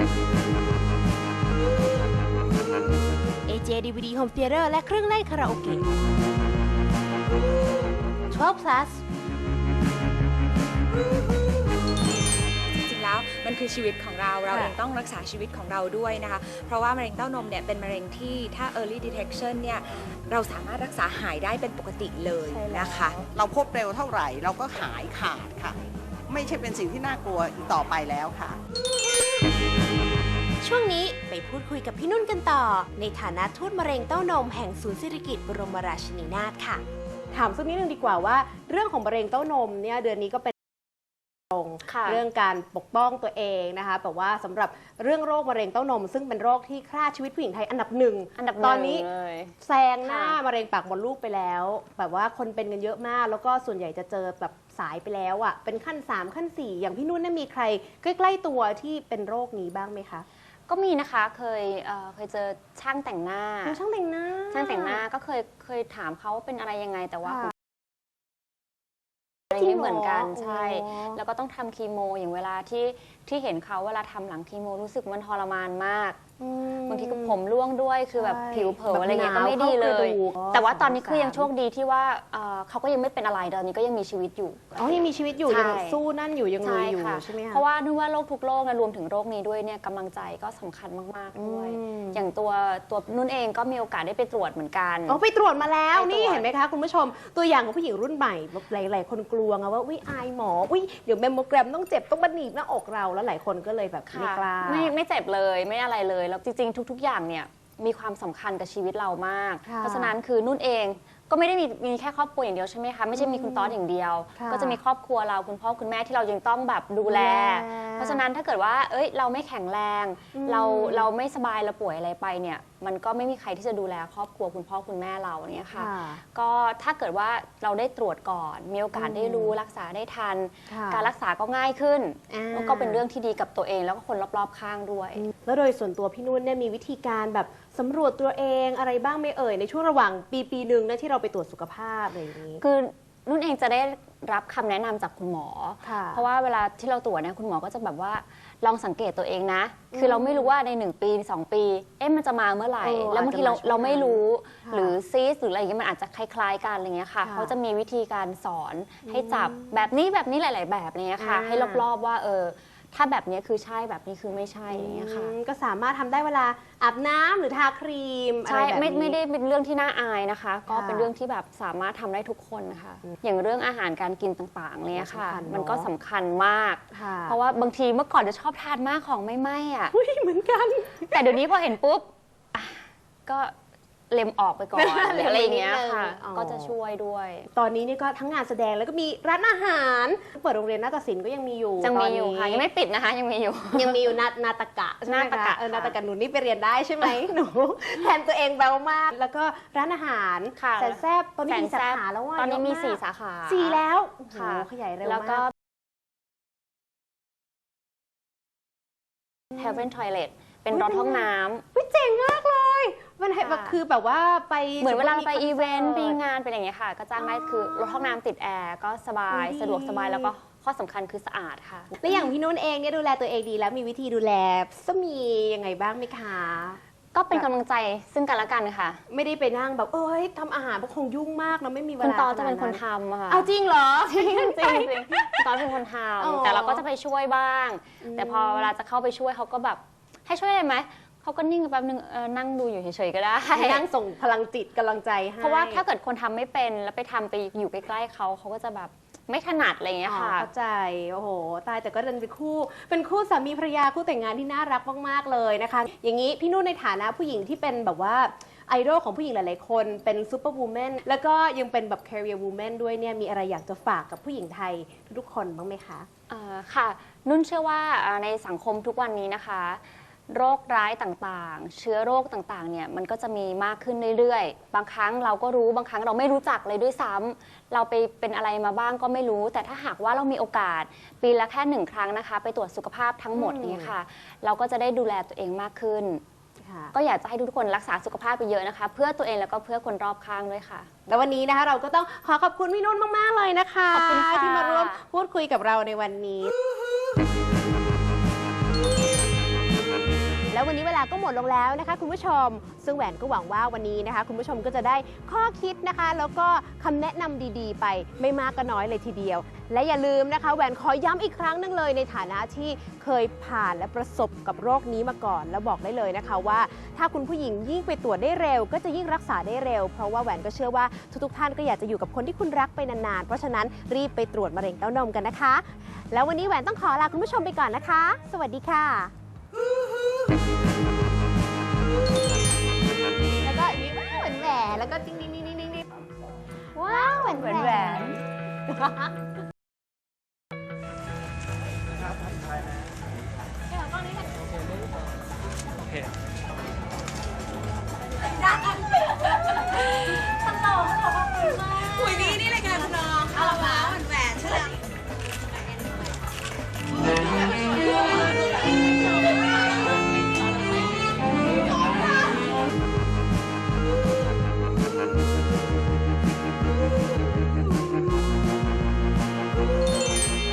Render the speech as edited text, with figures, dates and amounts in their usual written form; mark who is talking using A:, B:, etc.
A: AJ DVD Home Theater และเครื่องเล่นคาราโอเกะ 12 plus
B: จริงๆแล้วมันคือชีวิตของเราเองต้องรักษาชีวิตของเราด้วยนะคะเพราะว่ามะเร็งเต้านมเนี่ยเป็นมะเร็งที่ถ้า early detection เนี่ยเราสามารถรักษาหายได้เป็นปกติเลยนะคะ
C: เราพบเร็วเท่าไหร่เราก็หายขาดค่ะไม่ใช่เป็นสิ่งที่น่ากลัวอีกต่อไปแล้วค่ะ
A: ช่วงนี้ไปพูดคุยกับพี่นุ่นกันต่อในฐานะทูตมะเร็งเต้านมแห่งศูนย์สิริกิติ์บรมราชินีนาถค่ะถามสักนิดนึงดีกว่าว่าเรื่องของมะเร็งเต้านมเนี่ยเดือนนี้ก็เป็นเรื่องการปกป้องตัวเองนะคะแบบว่าสำหรับเรื่องโรคมะเร็งเต้านมซึ่งเป็นโรคที่ฆ่าชีวิตผู้หญิงไทยอันดับหนึ่งตอนนี้แซงหน้ามะเร็งปากมดลูกไปแล้วแบบว่าคนเป็นกันเยอะมากแล้วก็ส่วนใหญ่จะเจอแบบสายไปแล้วอ่ะเป็นขั้น3ขั้น4อย่างพี่นุ่นมีใครใกล้ๆตัวที่เป็นโรคนี้บ้างไหมคะ
D: ก็มีนะคะเคยเจอช่างแต่งหน้า
A: ช่างแต่งหน้า
D: ก็เคยถามเขาว่าเป็นอะไรยังไงแต่ว่าอะไรไม่เหมือนกันใช่แล้วก็ต้องทำคีโมอย่างเวลาที่เห็นเขาเวลาทำหลังคีโมรู้สึกมันทรมานมากบางทีก็ผมร่วงด้วยคือแบบผิวเผลออะไรเงี้ยก็ไม่ดีเลยแต่ว่าตอนนี้คือยังโชคดีที่ว่าเขาก็ยังไม่เป็นอะไรตอนนี้ก็ยังมีชีวิตอยู่
A: ยังมีชีวิตอยู่ยังสู้นั่นอยู่ยังลุยอยู่ใช่ไหมคะ
D: เพราะว่านึกว่าโรคทุกโรคนะรวมถึงโรคนี้ด้วยเนี่ยกำลังใจก็สำคัญมากๆด้วยอย่างตัวนุ่นเองก็มีโอกาสได้ไปตรวจเหมือนกัน
A: ไปตรวจมาแล้วนี่เห็นไหมคะคุณผู้ชมตัวอย่างของผู้หญิงรุ่นใหม่หลายๆคนกลัวไงว่าอายหมอเดี๋ยวแมมโมแกรมต้องเจ็บต้องบันหนีบหน้าอกเราแล้วหลายคนก็เลยแบบไม่กล้า
D: ไม่เจ็บเลยไม่อะไรเลยแล้วจริงๆทุกๆอย่างเนี่ยมีความสำคัญกับชีวิตเรามากเพราะฉะนั้นคือนุ่นเองก็ไม่ได้มีแค่ครอบครัวอย่างเดียวใช่ไหมคะไม่ใช่มีคุณต๊อดอย่างเดียวก็จะมีครอบครัวเราคุณพ่อคุณแม่ที่เรายังต้องแบบดูแลเพราะฉะนั้นถ้าเกิดว่าเราไม่แข็งแรงเราไม่สบายเราป่วยอะไรไปเนี่ยมันก็ไม่มีใครที่จะดูแลครอบครัวคุณพ่อคุณแม่เราเนี่ยค่ะก็ถ้าเกิดว่าเราได้ตรวจก่อนมีโอกาสได้รู้รักษาได้ทันการรักษาก็ง่ายขึ้นก็เป็นเรื่องที่ดีกับตัวเองแล้วก็คนรอบๆข้างด้วย
A: แล้วโดยส่วนตัวพี่นุ่นเนี่ยมีวิธีการแบบสำรวจตัวเองอะไรบ้างไหมในช่วงระหว่างปีหนึ่งนะที่เราไปตรวจสุขภาพอะไรอย่างนี้
D: คือนุ่นเองจะได้รับคำแนะนำจากคุณหมอเพราะว่าเวลาที่เราตรวจเนี่ยคุณหมอก็จะแบบว่าลองสังเกตตัวเองนะคือเราไม่รู้ว่าใน1 ปี 2 ปีมันจะมาเมื่อไหร่แล้วบางทีเราไม่รู้หรือซีสหรืออะไรอย่างเงี้ยมันอาจจะคล้ายๆกันอะไรเงี้ยค่ะเขาจะมีวิธีการสอนให้จับแบบนี้หลายๆแบบอะไรเงี้ยค่ะให้รอบๆว่าถ้าแบบนี้คือใช่แบบนี้คือไม่ใช่อย่างเงี้ยค่ะ
A: ก็สามารถทำได้เวลาอาบน้ำหรือทาครีม
D: ใช่ไม่ได้เป็นเรื่องที่น่าอายนะคะก็เป็นเรื่องที่แบบสามารถทำได้ทุกคนค่ะอย่างเรื่องอาหารการกินต่างๆเนี่ยค่ะมันก็สำคัญมากเพราะว่าบางทีเมื่อก่อนจะชอบทานมากของไม่ไหม้อ่ะ
A: เหมือนกัน
D: แต่เดี๋ยวนี้พอเห็นปุ๊บก็เล็มออกไปก่อนอะไรอย่างเงี้ยค่ะก็จะช่วยด้วย
A: ตอนนี้นี่ก็ทั้งงานแสดงแล้วก็มีร้านอาหารเปิดโรงเรียนนาฏศิลป์ก็ยังมีอยู่
D: ค่ะยังไม่ปิดนะคะยังมีอยู่
A: นาฏกะนาฏกะหนูนี่ไปเรียนได้ใช่ไหมหนูแทนตัวเองแปลมากแล้วก็ร้านอาหารแสนแซ่บตอนนี้มีสาขาแล้วว่า
D: ตอนนี้มี4 สาขา
A: 4แล้วขยายเร็วมาก
D: แล้วก็ Heaven Toilet เป็นรถห้องน้
A: ำเจ๋งมากเลยมันคือแบบว่าไป
D: เหมือนเวลาไปอีเวนต์ไปงานเป็นอย่างเงี้ยค่ะก็จ้างได้คือรถห้องน้ำติดแอร์ก็สบายสะดวกสบายแล้วก็ข้อสำคัญคือสะอาดค่ะ
A: และอย่างพี่นุ่นเองเนี่ยดูแลตัวเองดีแล้วมีวิธีดูแลสามียังไงบ้างไหมคะ
D: ก็เป็นกำลังใจซึ่งกันและกันค่ะ
A: ไม่ได้ไปนั่งแบบทำอาหารเพราะคงยุ่งมากเราไม่มีเวลา
D: คุณตอนจะเป็นคนทำค่ะ
A: เอาจริงเหรอ
D: จริงตอนเป็นคนทำแต่เราก็จะไปช่วยบ้างแต่พอเวลาจะเข้าไปช่วยเขาก็แบบให้ช่วยได้ไหมเขาก็นิ่งแป๊บนึงนั่งดูอยู่เฉยๆก็ได้
A: นั่งส่งพลังจิตกำลังใจให้
D: เพราะว่าถ้าเกิดคนทำไม่เป็นแล้วไปทำไปอยู่ใกล้ๆเขาก็จะแบบไม่ถนัดอะไรอย่างเงี้ยค่ะ
A: เข้าใจโอ้โหตายแต่ก็เป็นคู่สามีภรรยาคู่แต่งงานที่น่ารักมากๆเลยนะคะอย่างนี้พี่นุ่นในฐานะผู้หญิงที่เป็นแบบว่าไอดอลของผู้หญิงหลายๆคนเป็นซูเปอร์วูแมนแล้วก็ยังเป็นแบบ career woman ด้วยเนี่ยมีอะไรอยากจะฝากกับผู้หญิงไทยทุกคนบ้างไหมคะ
D: ค่ะนุ่นเชื่อว่าในสังคมทุกวันนี้นะคะโรคร้ายต่างๆเชื้อโรคต่างๆเนี่ยมันก็จะมีมากขึ้นเรื่อยๆบางครั้งเราก็รู้บางครั้งเราไม่รู้จักเลยด้วยซ้ำเราไปเป็นอะไรมาบ้างก็ไม่รู้แต่ถ้าหากว่าเรามีโอกาสปีละแค่1 ครั้งนะคะไปตรวจสุขภาพทั้งหมดนี่ค่ะเราก็จะได้ดูแลตัวเองมากขึ้นก็อยากจะให้ทุกคนรักษาสุขภาพไปเยอะนะคะเพื่อตัวเองแล้วก็เพื่อคนรอบข้างด้วยค่ะ
A: แล้ววันนี้นะคะเราก็ต้องขอบคุณพี่นุ่นมากๆเลยนะคะ
D: ขอบคุณค่ะ
A: ที่มาร่วมพูดคุยกับเราในวันนี้ดลงแล้วนะคะคุณผู้ชม ซึ่งแหวนก็หวังว่าวันนี้นะคะคุณผู้ชมก็จะได้ข้อคิดนะคะแล้วก็คำแนะนำดีๆ ไปไม่มากก็น้อยเลยทีเดียว และอย่าลืมนะคะแหวนขอย้ำอีกครั้งหนึงเลยในฐานะที่เคยผ่านและประสบกับโรคนี้มาก่อน แล้วบอกได้เลยนะคะว่าถ้าคุณผู้หญิงยิ่งไปตรวจได้เร็วก็จะยิ่งรักษาได้เร็วเพราะว่าแหวนก็เชื่อว่าทุกๆท่านก็อยากจะอยู่กับคนที่คุณรักไปนานๆเพราะฉะนั้นรีบไปตรวจมะเร็งเต้านมกันนะคะ แล้ววันนี้แหวนต้องขอลาคุณผู้ชมไปก่อนนะคะ สวัสดีค่ะ แล้วก็อันนี้ว้าวแหวนแหวนแล้วก็ติ๊งๆๆๆๆว้าวแหวนแหวน